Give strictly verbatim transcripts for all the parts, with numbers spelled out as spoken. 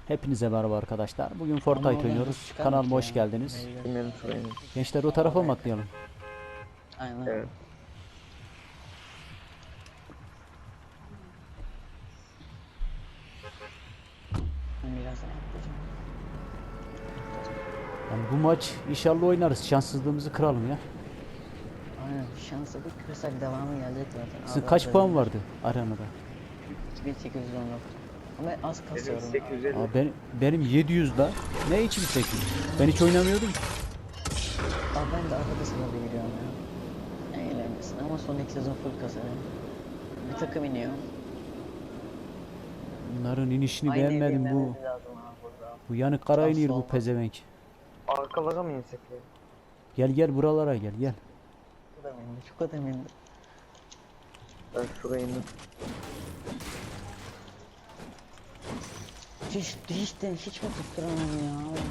Hepinize merhaba arkadaşlar. Bugün Ama Fortnite oradan oynuyoruz. nasıl çıkarmış Kanalıma hoş ya? geldiniz. Meyve. Bilmiyorum şurayı. Gençler o tarafa mı atlayalım? Aynen. Evet. Ben birazdan atlayacağım. Yani bu maç inşallah oynarız. Şanssızlığımızı kıralım ya. Aynen. Şanslıdık. Kırsak devamı gelecek zaten. Sizin Abi kaç az puan önce vardı arenada? iki bin sekiz yüz on dokuz. Ama az Benim kasıyorum. sekiz yüz elli. Aa, ben, benim yedi yüz da. Ne için sekiz yüz? Ben hiç oynamıyordum ki. Abi ben de arada sırada giriyorum ya. En eğlencesi. Ama son iki sezon full kasarım. Bir takım iniyor. Bunların inişini Aynı evi beğenmedim bu. inmemiz lazım abi burada. Bu yanık kara Asla iniyor bu olmaz. pezevenk. Arkalara mı insek ya? Gel gel buralara gel gel. Çok adam indi. Çok adam indi. Ben şuraya indim. Hiç, hiç de hiç mi tutturamam ya?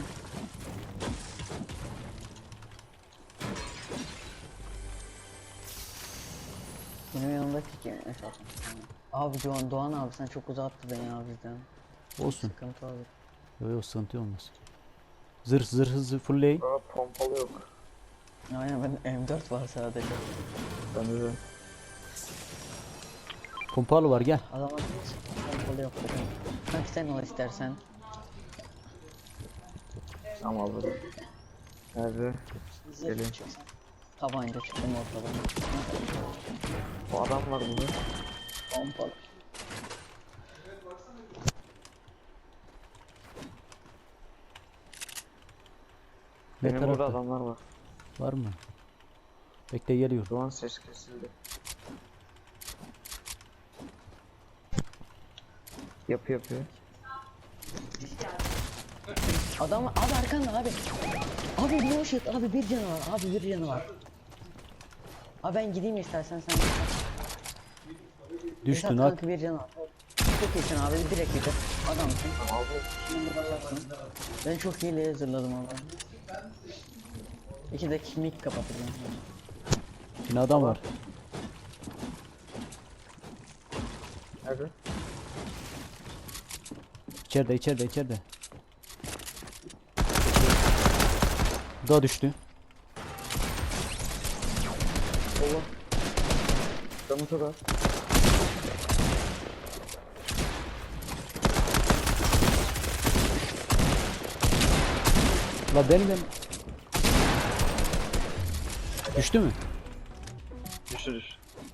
Benim yanımdaki kim? Esat. Abi Doğan, Doğan abi sen çok uzattı beni ya bizden. Olsun. Sıkıntı olur. Yok yok sıkıntı olmaz. Zırh zırh hızı fullleyin. Aa pompalı yok. Aynen ben M dört var sadece. Bende de. Pompalı var gel. Adama hiç kontrolü yok dedim. Kanka sen ol istersen. Tamam alırım. Nerede? Zırh Gelin. çıksın. Tabanca çıktım ortadan. O adam var burada. Pompalı. Ne Benim burada tarafta? adamlar var. Var mı? Bekle geliyor. Şu an ses kesildi. Yapı yapıyor. Adam abi arkanda abi. Abi no shit abi bir canı var abi bir canı var. Abi ben gideyim istersen sen. Düştün Esat at. kanka bir canı var. Çok iyisin abi direkt bitir. Adamsın. Aldım. Şimdi basarsın. Ben çok iyi hazırladım abi. İki dakika mic kapatacağım. Yine adam var. Nerede? İçeride içeride içeride. Bu da düştü. Allah. Canım çok az. La benim ben... Düştü mü? Düşür düş.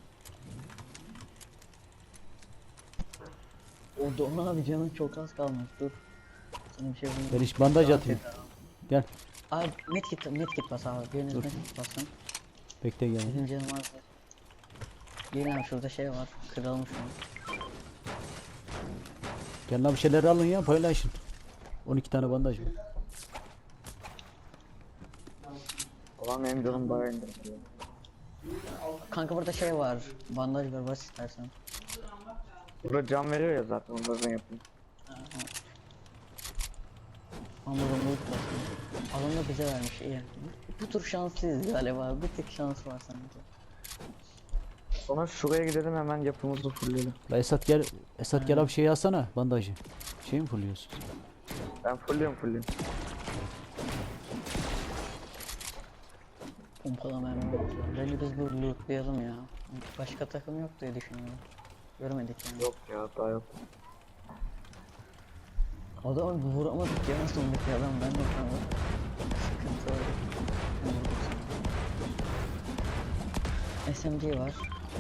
O Doğan abi canın çok az kalmış dur. Sana bir şey bulayım. Ben hiç bandaj Daha atayım. kötü. Gel. Abi medkit medkit bas abi. Biriniz Dur. medkit basın. Bekle gel. Benim canım az. Gelin abi şurada şey var. Kırılmış o. Gel lan bir şeyler alın ya paylaşın. on iki tane bandaj var. Ulan benim canım bayağı indirdi. Kanka burada şey var. Bandaj var bas istersen. Burada can veriyor ya zaten onları ben yapayım. Ama burada loot basın. Alan da bize vermiş iyi. Bu tur şanslıyız galiba. Bir tek şans var sanki. Sonra şuraya gidelim hemen yapımızı fullleyelim. La Esat gel. Esat gel abi şey alsana bandajı. Şey mi fulluyorsun? Ben fullliyorum fullliyorum. Pompalama hemen bakıyorum. Bence biz bu lootlayalım ya. Başka takım yok diye düşünüyorum. Görmedik yani. Yok ya daha yok. Adamı vuramadık ya sondaki adam ben de vuramadım. Sıkıntı oldu. Ben vurdum sana. S M G var.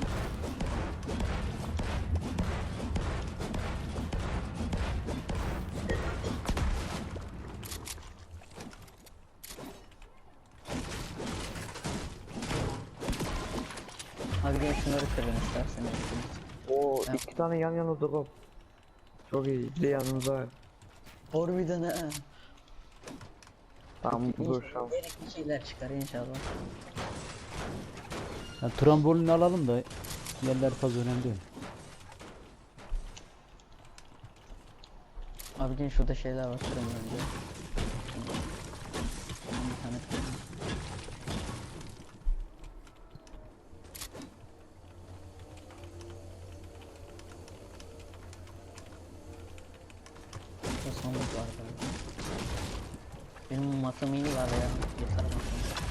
Hadi gel şunları kırın isterseniz. Oo Ya. iki tane yan yana drop. Çok iyi. Bir de yanımıza var. Harbiden ha. Tamam dur şans. Gerekli şeyler çıkar inşallah. Yani trambolini alalım da yerler fazla önemli değil. Abi gel şurada şeyler var kırın önce. Bir tane kırın. Şu sandık var galiba. Benim matım iyi var ya. Yeter matım.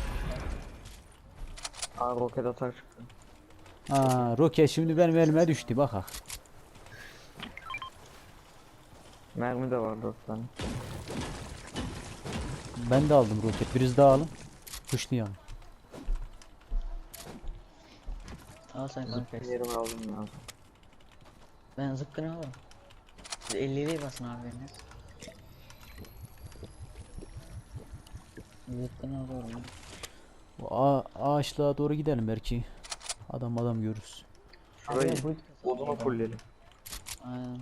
Aa roket atar çıktı. Aa, roket şimdi benim elime düştü bak ha. Mermi de var dört tane. Ben de aldım roket. Biriniz daha alın. Kuşlayalım. Al sen kanka. Yerimi aldım ya. Ben zıpkını alırım. Siz elliliği basın abi biriniz. Zıpkını alıyorum ben. Bu ağa- ağaçlığa doğru gidelim belki. Adam adam görürüz. Şurayı Abi bu- odunu fullleyelim. Aynen.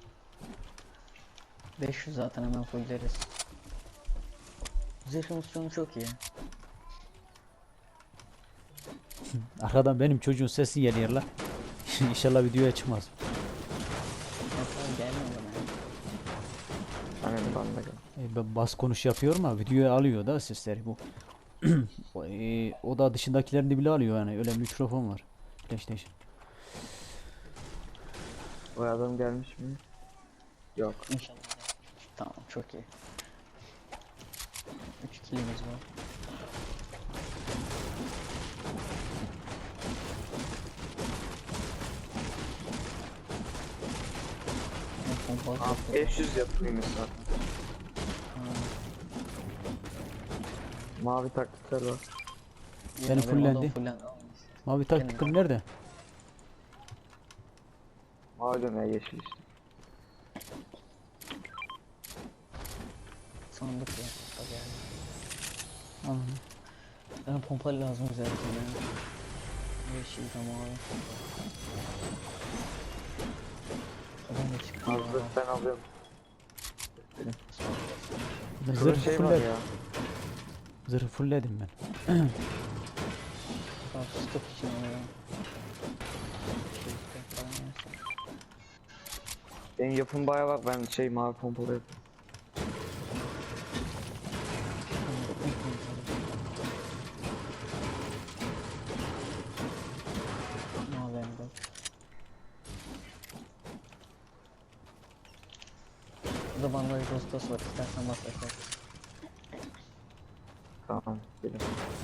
beş yüz zaten hemen fulleriz. Zırhımız sonu çok iyi. Arkadan benim çocuğun sesi geliyor la. İnşallah videoya çıkmaz. Hatta gelmiyor bana. Aynen ben de gel. E, ben bas konuş yapıyorum ama videoya alıyor da sesleri bu. O, e, o da dışındakilerini bile alıyor yani öyle mikrofon var. PlayStation. Bu adam gelmiş mi? Yok. İnşallah. Tamam çok iyi. üç kilimiz var. Ne pompalı Aa, çok iyi. beş yüz yapayım zaten. Ha, Mavi taktikler var. iyi, Benim adam fullendi. fullendi. Mavi taktikın nerede? Mavi dönüyor yeşil işte. Sandık ya. Tabii yani. Anladım. Bana pompalı lazım güzel bir tane. Yeşil de mavi. Adam da çıktı. Hazır ya. ben alıyorum. Ben Şurada zırh şey var fullledim. ya. Zırhı fullledim ben. Bak stok için alıyor. Şey, stok falan yersen. Benim yapım bayağı bak ben şey mavi pompalı yapıyorum. Mavi hem de. Burada bandaj dostos var istersen bas aşağı. Tamam. Gelin.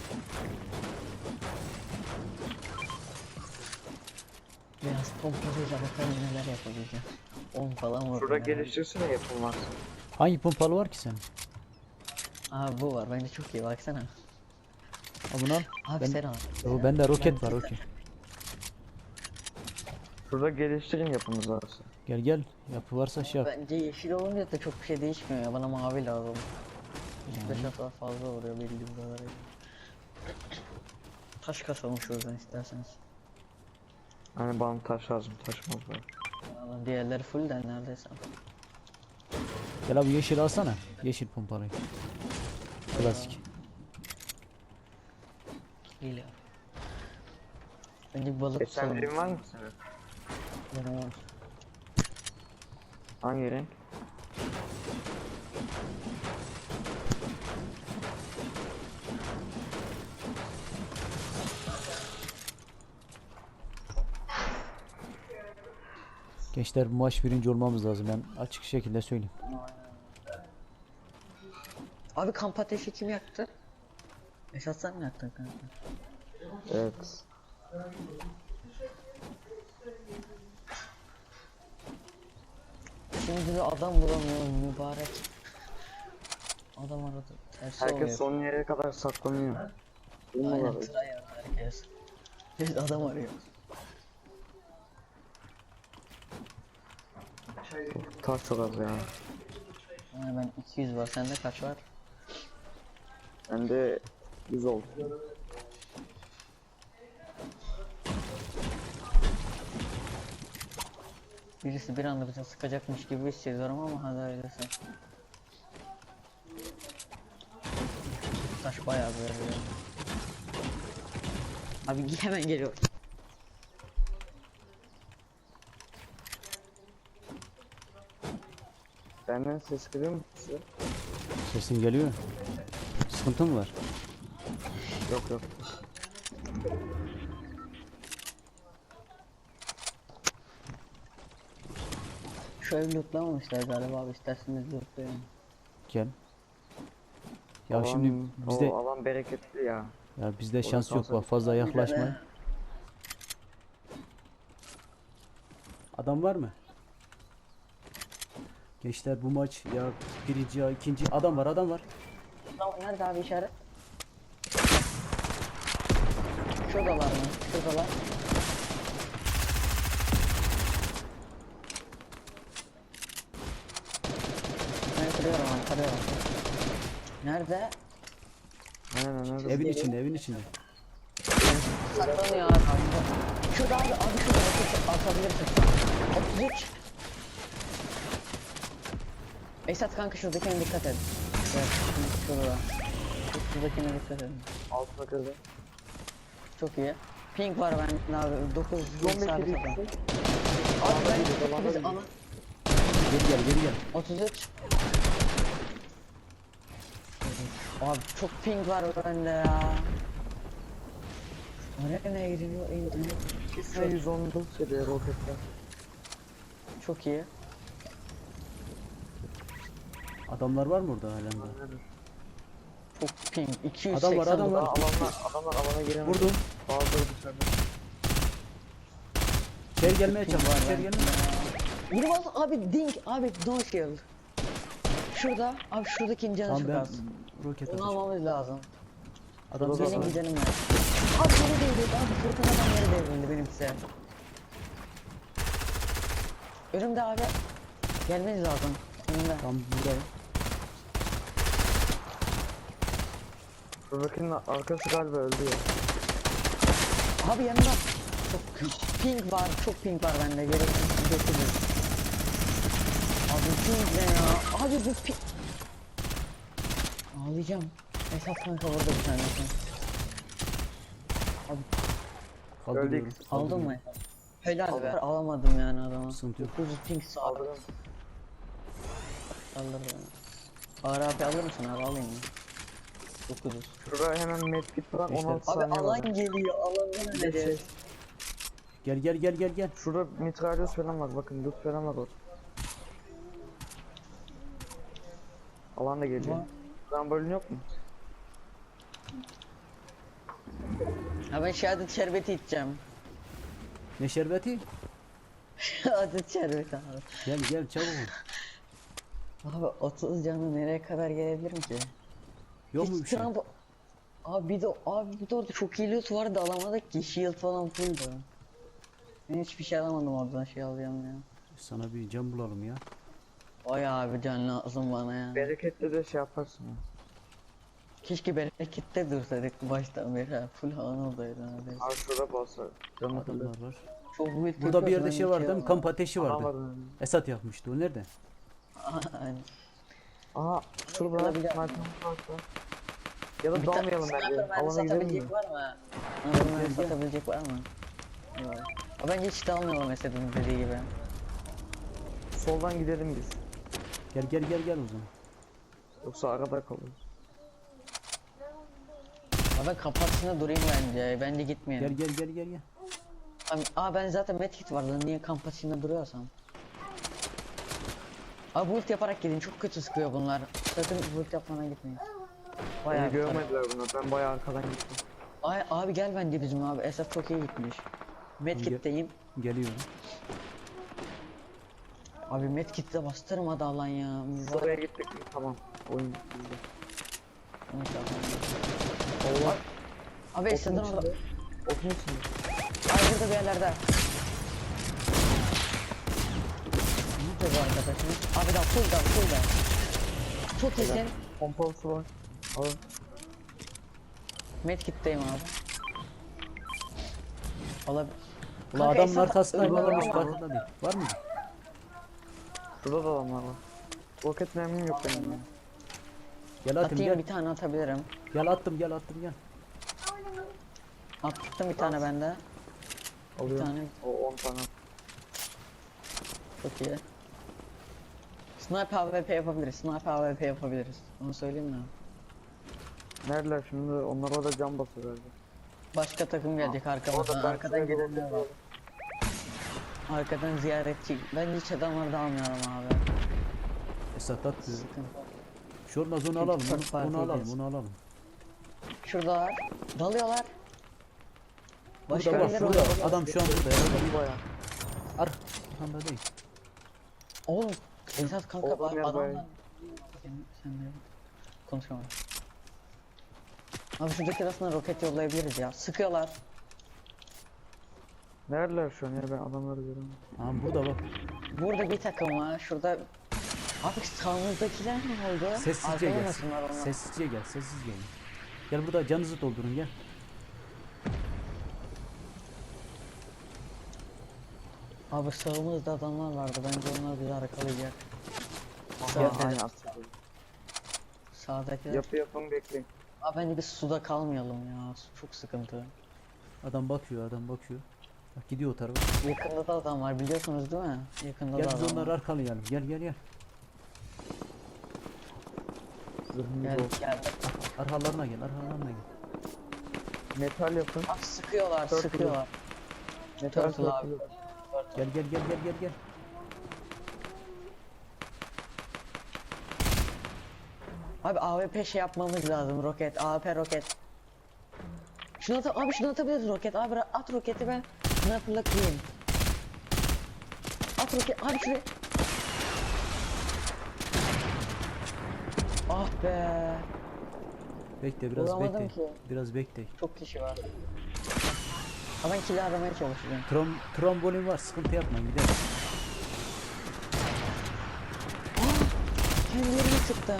Biraz pompalıyla bakalım neler yapabileceğim. on falan var. Şurada geliştirsene yapım varsa. Hangi pompalı var ki senin? Abi bu var bence çok iyi baksana. Al bunu al. Abi Ben- sen al. Yo, bende roket var roket. Şurada geliştirin yapımız varsa. Gel gel. Yapı varsa şey yap. Bence yeşil olunca da çok bir şey değişmiyor ya. Bana mavi lazım. üç beş hafta fazla oluyor belli bir kadarıyla. Taş kasalım şuradan isterseniz. Hani bana taş lazım taşmaz var. Vallahi diğerleri full de neredeyse. Gel abi yeşil alsana. Yeşil pompalıyı. Klasik. Geliyor. Bence bir balık E sen tutalım. evin var mı senin? Benim var. Hangi renk? Gençler bu maç birinci olmamız lazım. Ben açık şekilde söyleyeyim. Abi kamp ateşi kim yaktı? Esat sen mi yaktın kanka? Evet. Şimdi bir adam bulamıyorum mübarek. Adam aradı. Tersi Herkes oluyor. son yere kadar saklanıyor. Aynen Bilmiyorum. tryhard herkes. Biz adam arıyoruz. Taş çok az ya. Yani ben iki yüz var. Sende kaç var? Bende yüz oldu. Birisi bir anda bize sıkacakmış gibi hissediyorum ama hadi öyleyse. Taş bayağı böyle. Abi hemen geliyor. Benden ses geliyor mu size? Sesin geliyor. Sıkıntı mı var? Yok yok. Şu ev lootlamamışlar galiba abi, isterseniz lootlayalım. Gel. Ya Alan- şimdi bizde o alan bereketli ya. ya bizde Orada şans yok kalsa- bak, fazla Bir yaklaşmayın. tane- Adam var mı? Gençler bu maç ya birinci ya ikinci adam var adam var. Tamam, nerede abi işaret? Şuradalar mı? Şuradalar. Ben kırıyorum abi, kırıyorum. Nerede? Aynen aynen. Evin içinde evin içinde. Saklanıyor abi. Şurada abi, abi şurada atış atabilirsin. otuz üç. Esat kanka şuradakine dikkat et. Evet, şurada. Şuradakine dikkat edin. Altına kırdı. Çok iyi. Pink var ben abi, dokuz on beş sabit yedi. atalım. Abi Alana ben gidiyor, alana biz gidiyor. ana Geri gel geri gel. otuz üç. Abi çok pink var bende ya. Nereye gidiyor internet? İsme yüz on dokuz seviye roketler. Çok iyi. Adamlar var mı orada halen de? Aynen. Çok pink. iki yüz Adam seksen. var, adam var. Daha alanlar, adamlar alana giremez. Vurdum. Bazıları dışarıda. İçeri gelmeye Pink çalış. var İçeri ben. gelmeye. Biri bas abi, dink abi, no shield. Şurada abi, şuradaki canı Tamam çok ben az. roket Onu atacağım. almamız lazım. Adam Şurada Benim var. gidelim ya. Abi yere devrildi abi, fırtınadan yere devrildi benimkisi. Önümde abi. Gelmeniz lazım. Önümde. Tam buradayım. Şuradakinin arkası galiba öldü ya. Abi yanımda. Çok pink var, çok pink var bende. Gereksiz getirir. Abi pink ne ya? Abi bu pink. Ağlayacağım. Esat kanka vurdu bir tane. Kaldırıyorum. Öldük. Aldın mı? Kaldırıyorum. Helal be. Alamadım yani adamı. Sıkıntı yok. dokuz yüz pink sağ. Aldırdım. Alır beni. Ağır abi alır mısın abi, alayım mı? dokuz yüz. Şurada hemen medkit var, İşte- on altı Abi saniye var. alan geliyor, alandan Bir de şey, öleceğiz. Gel gel gel gel gel. şurada mitralyöz falan var, bakın loot falan var orada. Alan da geliyor. Var. Rambolin yok mu? Ha ben şehadet şerbeti içeceğim. Ne şerbeti? Şehadet şerbeti abi. Gel gel çabuk. Abi otuz canı nereye kadar gelebilirim ki? Yok mu Hiç bir şey? Trump- Abi bir de abi bir de orada çok iyi loot vardı, alamadık ki, shield falan fulldu. Ben hiçbir şey alamadım oradan, şey alacağım ya. Sana bir cam bulalım ya. Vay abi, can lazım bana ya. Bereketli de şey yaparsın ya. Keşke berekette dursaydık baştan beri ha. Full havan oradaydı neredeyse. Abi şurada boss var. Canı kadar. Adamlar var. Çok build Burada bir yapıyoruz, yerde ben şey hiç var değil mi? alamadım. Kamp ateşi Aha var vardı. önünde. Esat yakmıştı. O nerede? Aynen. Aha şurada Olabilir. sniper var. Ya da Bir tane dalmayalım bence. sniper mermisi Alana gidelim mi? satabilecek var mı? Sniper mermisi satabilecek var mı? Yok. Ama bence hiç dalmayalım Esed'in dediği gibi. Soldan gidelim biz. Gel gel gel gel o zaman. Yoksa arada kalırız. Ama ben kapatısında durayım bence. Bence gitmeyelim. Gel gel gel gel gel. Abi, aa ben zaten medkit var lan, niye kamp açığında duruyorsam. Abi build yaparak gidin, çok kötü sıkıyor bunlar. Sakın build yapmana gitmeyin. Bayağı Beni bir görmediler bunu. Ben bayağı arkadan gittim. Ay abi gel bence bizim abi, Esat çok iyi gitmiş. Medkit'teyim. Geliyorum. Abi medkit'te bastırmadı alan ya. Oraya gittik mi? Tamam. Oyun bizde. Allah. Abi Esad'ın Okun orada. içinde. Okun içinde. Ay burada bir yerlerde. Nerede bu arkadaşımız? Abi da full da full da. Çok iyisin. Pompalısı var. Alın. Medkit'teyim abi. Olabilir. Ulan Kanka, adamın Esat- arkasında Önümde varmış adam var. farkında değil. Var mı? Şurada da adamlar var. Roket mermim yok benim ya. Gel atayım Atayım gel. bir tane atabilirim. Gel attım gel attım gel. Attım bir tane bende. Bir Alıyorum. tane. O on tane. Çok iyi. Sniper A W P yapabiliriz. Sniper A W P yapabiliriz. Onu söyleyeyim mi? Neredeler şimdi? Onlar orada cam basıyor galiba. Başka takım gelecek arkamızdan. Orada ben Arkadan şuraya gelenler roket var. var. Arkadan ziyaretçi. Ben hiç adamları almıyorum abi. Esat atıyor. Sıkıntı. Şu olmaz onu Çünkü alalım. çok Onu, fark onu alalım. ediyoruz. Onu alalım. Şuradalar. Dalıyorlar. Başka Burada bak birileri şurada. var. Adam şu an burada. Ya. Bu baya. Ar. Arkanda değil. Oğlum. Esat kanka Oğlum bak ya, adamlar. bayağı. Sen, sen de konuşamam. Abi şuradaki arasına roket yollayabiliriz ya. Sıkıyorlar. Neredeler şu an ya, ben adamları göremiyorum. Ha burada bak. Burada bir takım var. Şurada abi sağımızdakiler ne oldu? Sessizce Arkaya gel. nasınlar onlar? Sessizce gel. Sessiz gelin. Gel burada canınızı doldurun gel. Abi sağımızda adamlar vardı. Bence onlar bizi arkalayacak. Aha, Sağ- aynen atladı. Sağdakiler. Yapı yapın bekleyin. Abi bence biz suda kalmayalım ya. Su çok sıkıntı. Adam bakıyor. Adam bakıyor. Bak gidiyor o tarafa. Yakında da adam var biliyorsunuz değil mi? Yakında Gel da biz adam onları var. arkalayalım. Gel gel gel. Zırhımız Gel olsun. gel. Arkalarına gel. Arkalarına gel. Metal yapın. Abi sıkıyorlar Turtle. sıkıyorlar. Metal Turtle abi. yapın. Gel gel gel gel gel gel. Abi A W P şey yapmamız lazım roket. A W P roket. Şunu at abi şunu atabiliriz roket. Abi ra- at roketi ben sniper'la kırayım. At roket abi şuraya. Ah be. Bekle biraz Vuramadım bekle. ki. Biraz bekle. Çok kişi var. Ama ben kill aramaya çalışacağım. Trom trombolin var. Sıkıntı yapma gidelim. Kendilerini sıktı.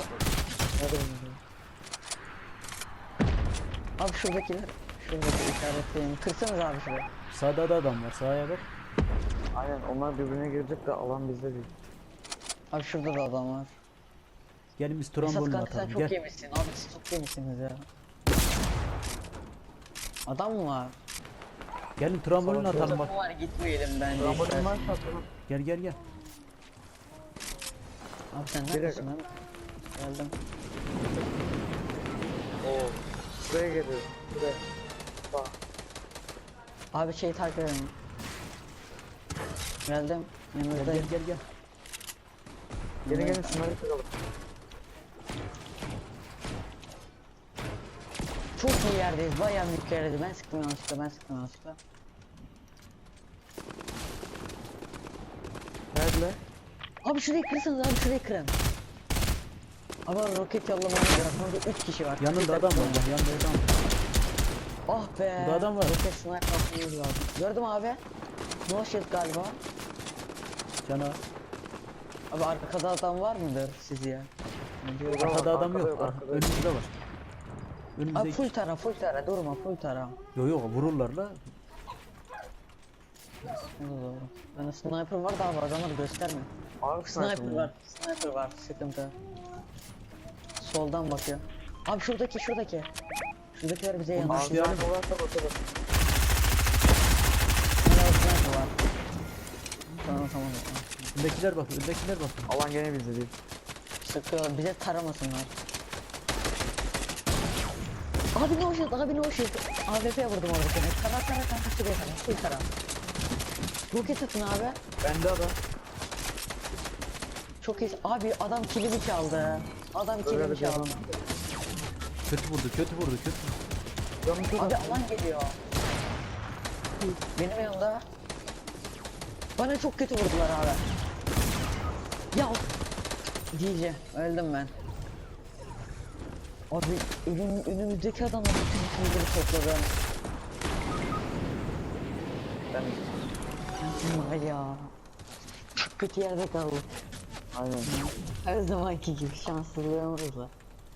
Abi şuradakiler. Şuradaki işaretleyeyim. Kırsanız abi şurayı. Sağda da adam var. Sağa bak. Aynen, onlar birbirine girecek de alan bizde değil. Abi şurada da adam var. Gelin biz Esat trombolin kanka sen atalım. çok Gel. yemişsin. Abi siz çok yemişsiniz ya. Adam mı var? Gelin trombolin Savaş atalım bak. Adam var gitmeyelim bence. Ramazan istersen. var satılır. Gel gel gel. Abi sen Bir neredesin dakika. lan? Geldim. Oo. Buraya geliyor. Buraya. Bak. Abi şeyi takip edin. Geldim. Gel gel Yanınızdayım. gel gel. Gelin gelin şunları kıralım. Çok iyi yerdeyiz. Bayağı büyük yerdeyiz. Ben sıktım yanlışlıkla. Ben sıktım yanlışlıkla. Neredeler? Abi şurayı kırsanız abi şurayı kırın. Ama roket yollamamız lazım. Burada üç kişi var. Yanında Bir adam takım var. Bak, yanında adam var. Ah be. Burada adam var. Roket sniper atmamız lazım. Gördüm abi. No shield galiba. Cana. Abi arkada adam var mıdır siz ya? Yok, Arkada adam arkada yok. yok, Ar- arkada yok. Önümüzde var. Abi Önümüzde. full tara full tara durma full tara. Yok yok vururlar la. O da doğru. Bende sniper var da abi adamları gösterme. Abi Sniper var. Sniper var. Sıkıntı. Soldan bakıyor. Abi şuradaki şuradaki. Şuradakiler bize yanlış. Abi, yani- Abi varsa bakalım. Hala sniper var. Tamam tamam tamam. Öndekiler bak. Öndekiler bak. Alan gene bizde değil. Sıkıyorlar bize taramasınlar. Abi no shield abi no shield. A W P vurdum oradakine. Tara tara tara şuraya tara. Full tara. Roket atın abi. Bende adam. Çok iyi. Abi adam kilimi çaldı. Adam Öyle kilimi bir çaldı. adam. Kötü vurdu. Kötü vurdu. Kötü. Canım çok Abi az. alan geliyor. Benim yanımda. Bana çok kötü vurdular abi. Ya diyeceğim öldüm ben. Abi önüm, önümüzdeki adamlar bütün killeri topladı. Ben Ben var ya. Çok kötü yerde kaldık. aynen. Her zamanki gibi şanssızlığımızla.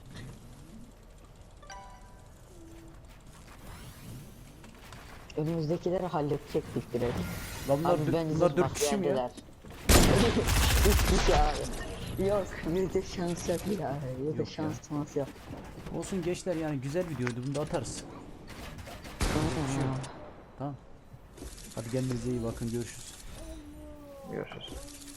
Önümüzdekileri halledecektik direkt. Lan bunlar, Abi dö- bence bunlar siz dört kişi mi ya? yendiler. Üç kişi abi. Yok bir de şans yok ya. Bir de Yok şans şans yok. Olsun gençler yani güzel videoydu. Bunu da atarız. Tamam. Tamam. Hadi kendinize iyi bakın. Görüşürüz. Görüşürüz.